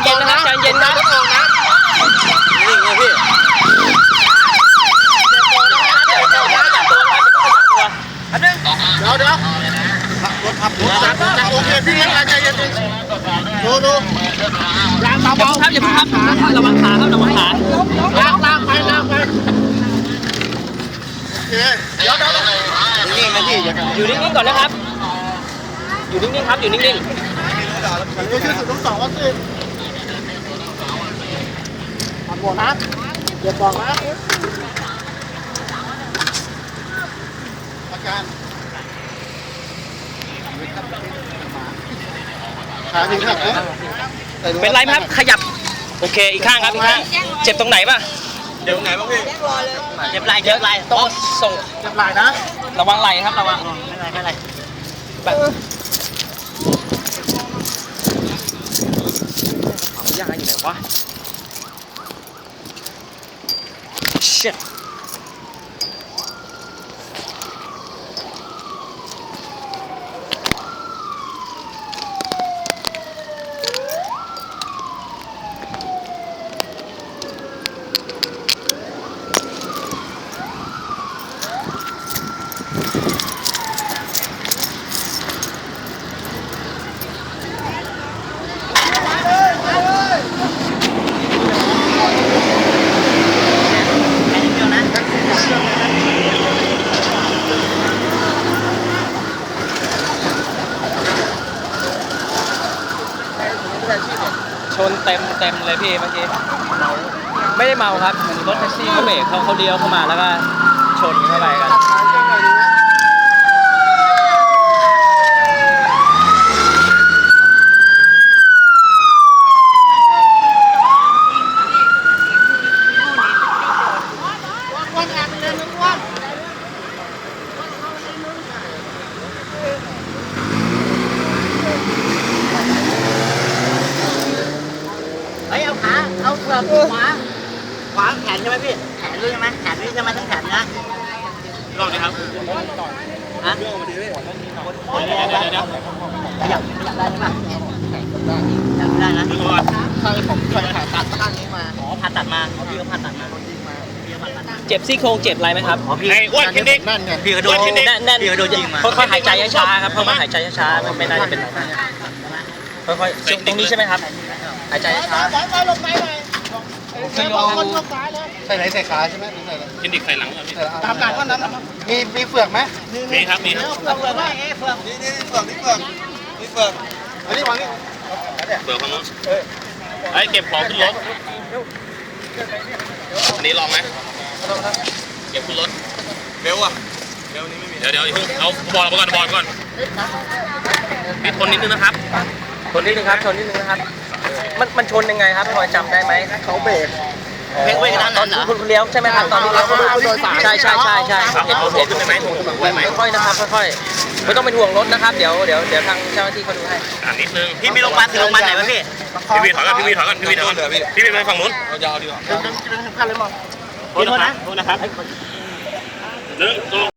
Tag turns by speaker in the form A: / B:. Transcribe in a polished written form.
A: เย็นนะครับใจเย็นนะนิ่งเลยพี่อันนึงเดี๋ยวรถขับรถจับโอเคพี่ใจเย็นดูยางเบาๆครับอย่าเพิ่งครับระวังขาครับระวังขาลากไปโอเคเดี๋ยวนิ่งนะพี่อยู่นิ่งๆก่อนนะครับอยู่นิ่งๆครับอยู่นิ่งๆดูชื่อสุดทั้งสองก็สิทำหมดนะอย่าบอกนะอาการขาถึงหักนะเป็นไรไหมครับขยับโอเคอีกข้างครับอีกข้างเจ็บตรงไหนป่ะเจ็บตรงไหนบ้างพี่เจ็บไหล่ต้องส่งเจ็บไหล่นะระวังไหล่ครับระวังไม่ไรแบบยาอยู่ไหนวะ shit ชนเต็มเลยพี่เมื่อกี้ไม่ได้เมาครับเหมือนรถแท็กซี่เขาเบรกเขาเลี้ยวเข้ามาแล้วก็ชนเข้าไปกันเอาเปลือกขวาแขนใช่ไหมพี่แขนด้วยใช่ไหมแขนด้วยใช่ไหมทั้งแขนนะลองดิครับฮะเดี๋ยวขยับได้ใช่ไหมได้นะผมเคยผ่าตัดข้างนี้มาผ่าตัดมาพี่ก็ผ่าตัดมาเจ็บซี่โครงเจ็บอะไรไหมครับพี่อ้วนขึ้นดินั่นไงพี่กระโดดแน่นพี่กระโดดยิงมาค่อยๆหายใจช้าๆครับค่อยๆหายใจช้าๆไม่น่าจะเป็นไรค่อยๆตรงนี้ใช่ไหมครับหายใจช้าลงไปเลยใส่ไหนใส่ขาใช่ไหมใส่อะไรกินดิใส่หลังก่อนตามหลังก็นั้นมีเฟือกไหมมีครับมีเฟือกว่าเฟือกนี่เฟือกอันนี้วางนี่เฟือกของนู้นไอ้เก็บของขึ้นรถอันนี้ลองไหมเก็บขึ้นรถเบลอะเบลนี้ไม่มีเดี๋ยวเอาบอลก่อนปิดทนนิดนึงนะครับทนนิดนึงครับมันชนยังไงครับพอจำได้ไหมเขาเบรกเว้ยตอนคุณเลี้ยวใช่ไหมครับตอนที่เลี้ยวใช่เห็นขึ้นไหมค่อยๆนะครับค่อยๆไม่ต้องเป็นห่วงรถนะครับเดี๋ยวทางเจ้าหน้าที่เขาดูให้นิดนึงพี่มีโรงพยาบาลไหนไหมพี่วีถอยก่อนพี่วีไปฝั่งนู้นยาวดีกว่าโทษนะครับ